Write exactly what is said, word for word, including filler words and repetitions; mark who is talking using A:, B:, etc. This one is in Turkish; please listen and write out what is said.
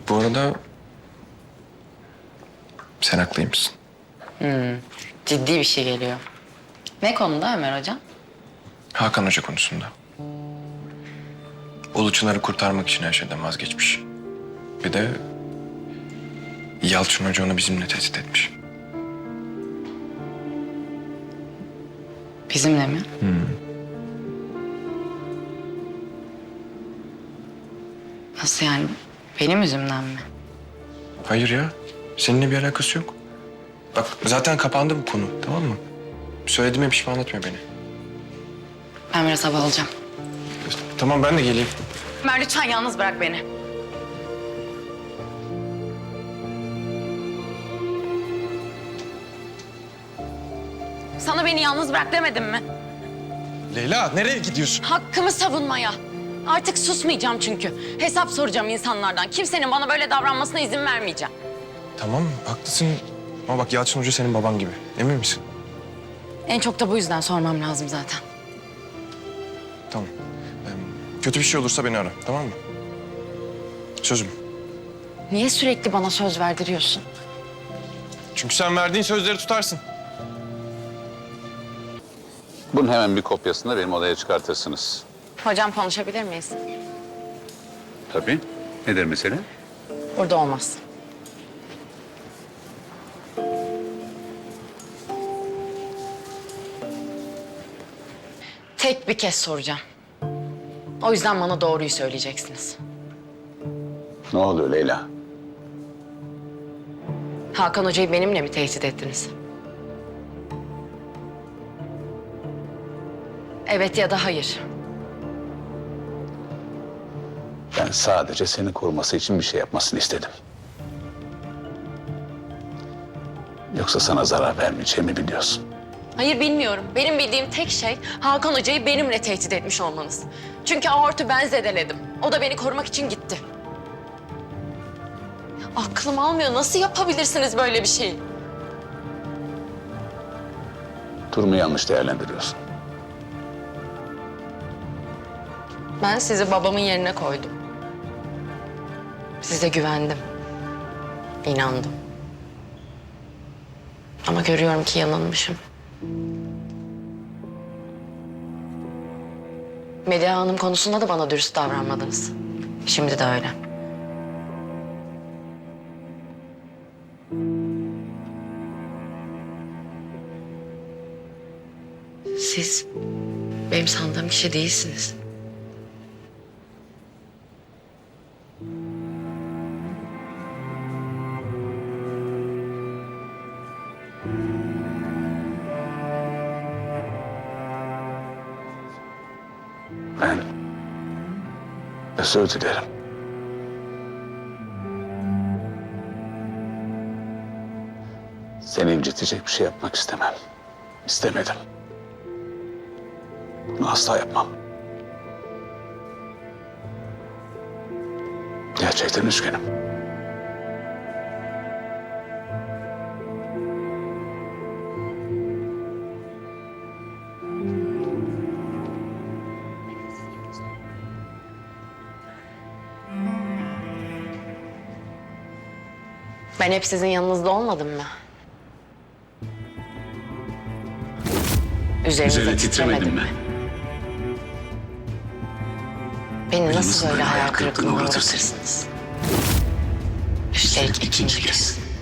A: Bu arada sen haklıymışsın.
B: Hmm, ciddi bir şey geliyor. Ne konuda Ömer Hocam?
A: Hakan Hoca konusunda. Ulu Çınar'ı kurtarmak için her şeyden vazgeçmiş. Bir de Yalçın Hoca onu bizimle tehdit etmiş.
B: Bizimle mi?
A: Hmm.
B: Nasıl yani? Benim yüzümden mi?
A: Hayır ya. Seninle bir alakası yok. Bak zaten kapandı bu konu, tamam mı? Söylediğime pişman etme beni.
B: Ben biraz hava alacağım.
A: Tamam, ben de geleyim.
B: Ömer lütfen yalnız bırak beni. Sana beni yalnız bırak demedim mi?
A: Leyla, nereye gidiyorsun?
B: Hakkımı savunmaya. Artık susmayacağım çünkü. Hesap soracağım insanlardan. Kimsenin bana böyle davranmasına izin vermeyeceğim.
A: Tamam, haklısın. Ama bak Yalçın Hoca senin baban gibi. Emin misin?
B: En çok da bu yüzden sormam lazım zaten.
A: Tamam. Ee, kötü bir şey olursa beni ara, tamam mı? Sözüm.
B: Niye sürekli bana söz verdiriyorsun?
A: Çünkü sen verdiğin sözleri tutarsın.
C: Bunun hemen bir kopyasını da benim odaya çıkartırsınız.
B: Hocam konuşabilir miyiz?
C: Tabii. Nedir mesele?
B: Burada olmaz. Tek bir kez soracağım. O yüzden bana doğruyu söyleyeceksiniz.
C: Ne oluyor Leyla?
B: Hakan Hoca'yı benimle mi tehdit ettiniz? Evet ya da hayır.
C: Ben sadece seni koruması için bir şey yapmasını istedim. Yoksa sana zarar vermeyeceğimi biliyorsun.
B: Hayır bilmiyorum. Benim bildiğim tek şey Hakan Hoca'yı benimle tehdit etmiş olmanız. Çünkü aortu ben zedeledim. O da beni korumak için gitti. Aklım almıyor. Nasıl yapabilirsiniz böyle bir şeyi?
C: Durumu yanlış değerlendiriyorsun.
B: Ben sizi babamın yerine koydum. Size güvendim. İnandım. Ama görüyorum ki yanılmışım. Medya Hanım konusunda da bana dürüst davranmadınız. Şimdi de öyle. Siz benim sandığım kişi değilsiniz.
C: Ben özür dilerim. Seni incitecek bir şey yapmak istemem. İstemedim. Bunu asla yapmam. Gerçekten üzgünüm.
B: Ben hep sizin yanınızda olmadım mı? Üzerinize
C: Üzerine
B: titremedim
C: titremedim
B: mi?
C: mi?
B: Beni
C: Beni
B: nasıl
C: nasıl
B: böyle
C: böyle
B: hayal
C: hayal kırıklığına
B: kırıklığına
C: uğratırsın?
B: uğratırsınız? Üstelik ikinci kez.